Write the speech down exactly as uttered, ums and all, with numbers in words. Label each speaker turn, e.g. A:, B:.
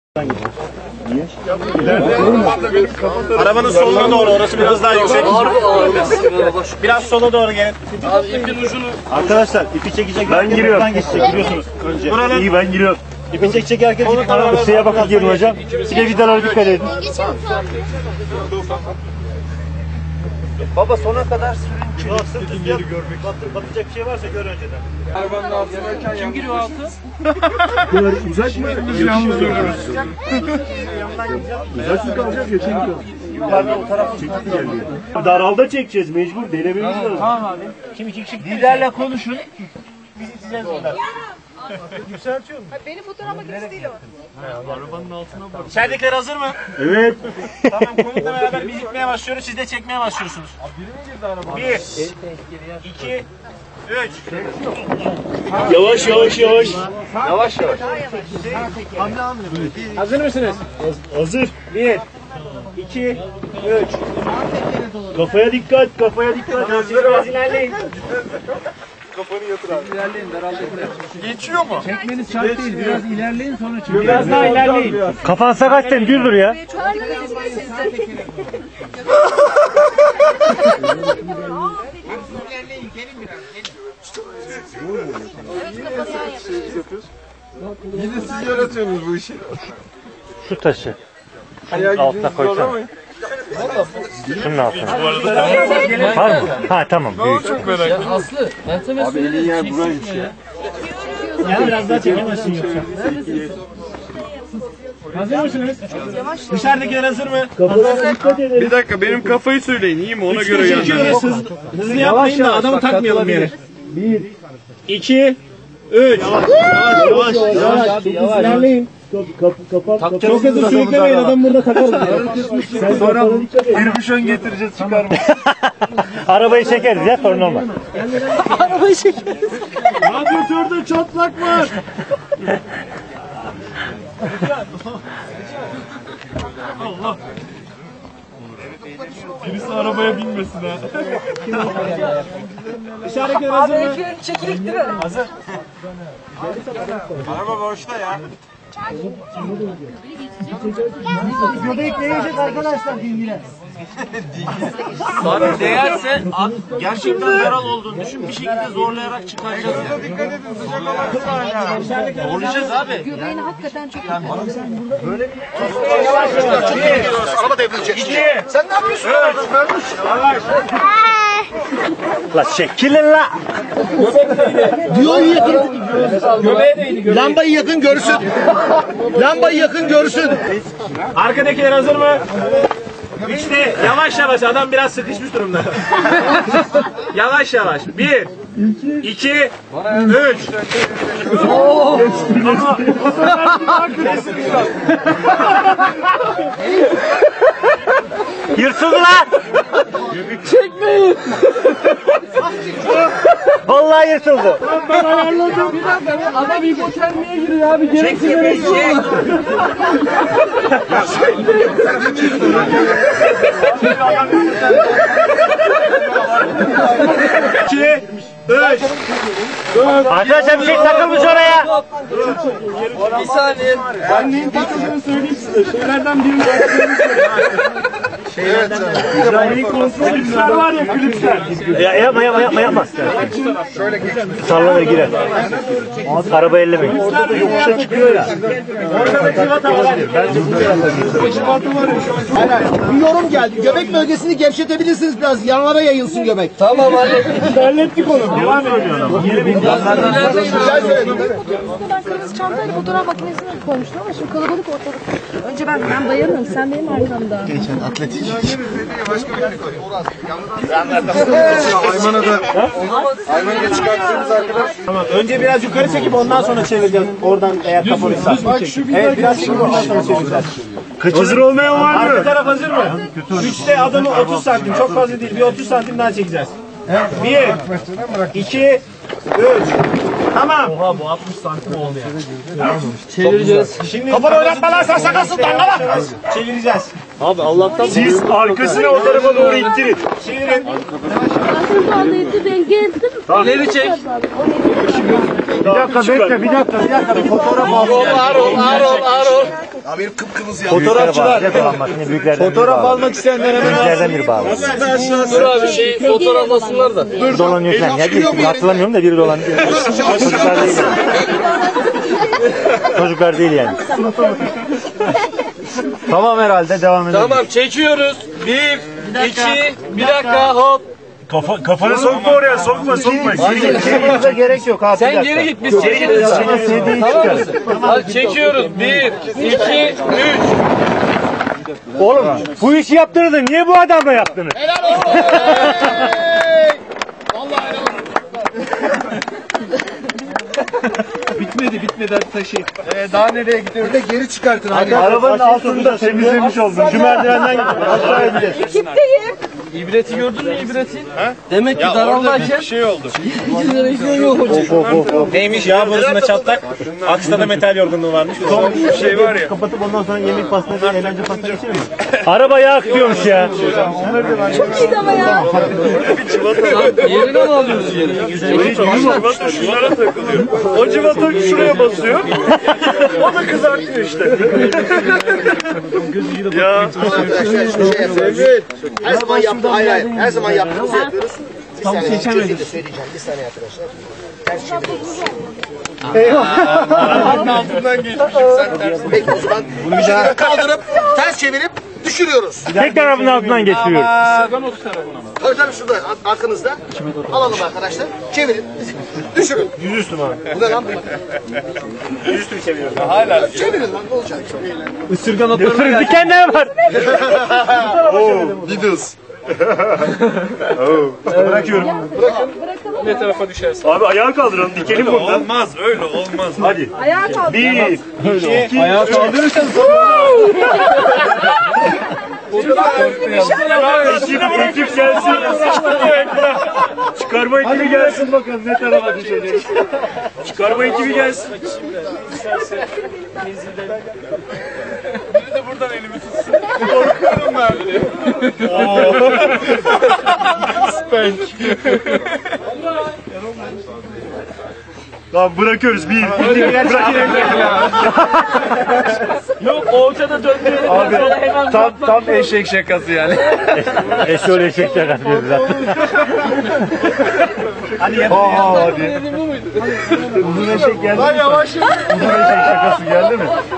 A: Niye? Arabanın soluna doğru, orası biraz daha yüksek. Biraz sola doğru gelin.
B: Abi ipin ucunu...
A: Arkadaşlar ipi çekecek. Ben giriyorum. Geçecek biliyorsunuz önce. Buranın... İyi ben giriyorum. İpi çekecek herkes gidin. Isıya bakın gelin hocam. Bir de vidalara dikkat edin. Baba sona kadar sürün. Sırt üstü yap. Batacak bir şey varsa gör önceden.
B: Arabanın altına kim giriyor altı?
A: Bunlar uzak mı? Yalnız görüyoruz. Uzak kalacak geçen kalacak. Yukarıda o taraf çekti geliyor. Daralda çekeceğiz mecbur. Denememiz lazım.
B: Tamam abi.
A: Kim iki kişi liderle konuşun. Biz içeceğiz bunlar. Yükseltiyor mu?
C: Benim fotoğraf makinesi değil o.
A: Arabanın altına bak. İçeridekiler hazır mı? Evet. Tamam konukla beraber biz gitmeye başlıyoruz. Siz de çekmeye başlıyorsunuz. Biri mi girdi arabaya? Bir. İki. Üç. Yavaş yavaş yavaş. Yavaş yavaş. Hazır mısınız? Hazır. Bir. İki. Üç. Kafaya dikkat. Kafaya dikkat. Biraz ilerleyin. Kafanı yatır abi.
B: İlerleyin daraldakiler.
A: Geçiyor mu?
B: Çekmeniz şart değil. Biraz ilerleyin sonra çıkın.
A: Biraz daha ilerleyin. Kafan sakatken düz dur ya.
D: Yine siz yaratıyorsunuz bu işi.
A: Şu taşı. Şunun altına koysana. Şunun altına. Var mı? Ha tamam. Büyük.
D: Çok merak ettim.
B: Aslı. Ben sana
D: Abi elin yer buraymış ya.
A: Yani biraz daha çekemezsin yoksa. Hazır mısınız? Dışarıdakiler hazır mı?
D: Bir dakika benim kafayı söyleyin iyi mi ona göre
A: Çekiyoruz.
D: gelmem.
A: Hızlı, hızlı yapmayın da adamı takmayalım yere. Bir. İki. Üç. Yavaş yavaş. Yavaş abi yavaş. İlerleyin. Çok hızlı sürüklemeyin adam burada takarız.
D: Sonra birbişon getireceğiz çıkar mı?
A: Arabayı çekeriz ya sorun olmaz. Arabayı çekeriz. Radyatörde çatlak var. Allah.
D: Birisi arabaya binmesin ha.
A: Dışarıdakiler hazır mı?
C: Çekilik değil mi?
A: Hazır.
D: Araba boşta ya.
A: Göbek değecek arkadaşlar dingine.
B: Abi değerse
A: Gerçekten yaral olduğunu düşün. Bir şekilde zorlayarak çıkaracağız.
D: Burada dikkat edin sıcak olan hala.
B: zorlayacağız abi.
C: Göbeğini hakikaten çok
A: Araba devrilecek. İki. Sen ne yapıyorsun? Yavaş. La çekilin la.
E: Diyoyu yakın. Lambayı yakın görsün. Lambayı yakın görsün.
A: Arkadakiler hazır mı? Üçte yavaş yavaş adam biraz sıkışmış durumda. Yavaş yavaş. Bir, iki, üç. Yırtıldı lan. Çekmeyin. Vallahi yırtıldı. Ben ayarladım. Bir dakika.
B: Adam hipotermiye giriyor abi. Gereksiz yere çek.
A: İki, üç. Arkadaşlar bir şey takılmış oraya.
B: Bir saniye.
A: Ben neyin takıldığını söyleyeyim size. Şeylerden birini Şeylerden kontrol klipsler var ya klipsler. Ya, yapma yapma yapma yapma. Salla ve girer. Araba ellemeyin. Orada yokuşa çıkıyor ya. Orada da civata var. Bence bu civata var ya.
E: Bir yorum geldi. Göbek bölgesini gevşetebilirsiniz biraz. Yanlara yayılsın göbek.
B: Tamam abi.
A: Hallettik onu. Devam ediyor. Yeni bir
C: Ben kırmızı çantayla fotoğraf makinesine koymuştum ama şimdi kalabalık ortalık. Önce ben, ben bayanım, sen benim arkamda.
D: Başka bir koy. Ayman'a da Ayman'a da çıkarttığımız arkadaş.
A: Tamam. Önce biraz yukarı çekip ondan sonra çevireceğiz. Oradan eğer kapalıysa.
D: Bak şu bir
A: Evet biraz çekip ondan sonra çevireceğiz. Hazır olmayan var mı? Arka taraf hazır mı? Üçte adamı otuz santim. Çok fazla değil. Bir otuz santim daha çekeceğiz. Bir, iki, üç. Tamam. Oha bu altmış santim oldu ya.
B: Çevireceğiz.
A: Şimdi kafanı oynatma lan sen sakasın lan lan. Çevireceğiz.
D: Abi Allah'tan
A: Siz arkasını o tarafa doğru ittirin. Çevirin.
C: Buradaydı ben geldim.
B: İleri çek.
A: Bir dakika bekle, bir dakika, bir dakika. Fotoğraf al.
B: Ağır ol, ağır ol, ağır ol.
E: Ya benim kıpkırmızı ya.
A: Fotoğrafçılar. Fotoğraf almak
E: isteyenler hemen
A: Büyüklerden biri bağlı.
B: Dur abi şey fotoğraflasınlar da.
A: Dolanıyor falan. Ya bir hatırlamıyorum da biri dolanıyor. Çocuklar değil yani. Çocuklar değil yani. Tamam herhalde devam edelim.
B: Tamam çekiyoruz. Bir, iki, bir dakika hop.
A: Kafa, kafanı sokma oraya, sokma, sokma. Çekmenize gerek yok abi.
B: Sen geri git biz çekeriz. Tamam mısın? Hadi çekiyoruz. Bir, iki, üç.
A: Oğlum bu işi yaptınız da niye bu adamla yaptınız?
E: Helal olsun. Vallahi helal olsun.
D: bitmedi bitmedi hadi taşıyın. Ee, daha nereye gidiyoruz?
E: Bir de geri çıkartın abi.
A: Arabanın altını da temizlemiş oldun. Şu merdivenden aşağı ineceğiz.
C: Ekipteyim.
B: İbreti gördün mü ibreti? He? Demek ki
D: Ya orada
B: daraldayken
D: bir şey oldu.
B: jenerasyon yok hocam.
F: Neymiş ya borusunda çatlak, aksında da metal yorgunluğu varmış.
D: Son bir şey var ya.
A: Kapatıp ondan sonra yemek pastası, eğlence pastası içelim mi? Araba yağ akıyormuş ya.
C: Çok iyiydi ama ya.
B: Yerine mi alıyoruz yeri?
D: Civata şunlara takılıyor. O civata şuraya basıyor. O da kızartıyor işte. Ya.
E: Arkadaşlar şu şey yapıyoruz. Her zaman yaptığımız, hayır hayır. Her zaman yaptığımızı yapıyoruz. Bir saniye şekilde söyleyeceğim. Bir saniye arkadaşlar. Ters çeviriyoruz.
D: Arabanın altından geçmişim sen ters.
E: Peki o zaman bunu bir daha kaldırıp ters çevirip düşürüyoruz.
A: Tek tarafının altından geçiriyoruz.
E: Tabii tabii şurada ar- arkanızda. Alalım arkadaşlar. Çevirin. Düşürün.
A: Yüzüstü mü abi?
E: Bu ne lan?
A: Yüzüstü bir çeviriyoruz.
D: Hala.
E: Çevirin lan ne olacak?
A: Isırgan dikenler var.
D: Beatles.
A: Bırakıyorum.
F: Ne tarafa düşersin?
A: Abi ayağa kaldıralım. Dikelim
D: Öyle
A: buradan.
D: olmaz öyle olmaz.
A: Hadi.
C: Ayağa kalk.
A: Bir, iki,
B: Ayağa kaldırırsan
A: ekip, ekip gelsin. Çıkarma ekibi gelsin bakalım ne tarafa düşecek. Çıkarma ekibi gelsin.
D: Biri de buradan elimi tutsun. Korkuyorum ben. Spank.
A: Tamam bırakıyoruz. Bir, iki, bırakın.
B: yok ortada döndürelim.
A: Abi
D: Tam tam eşek şakası yani.
A: eşol eşek şakası diyoruz zaten. Hadi yapalım. Aa hadi. Uzun eşek geldi mi?
D: Yavaş.
A: Uzun eşek şakası geldi mi?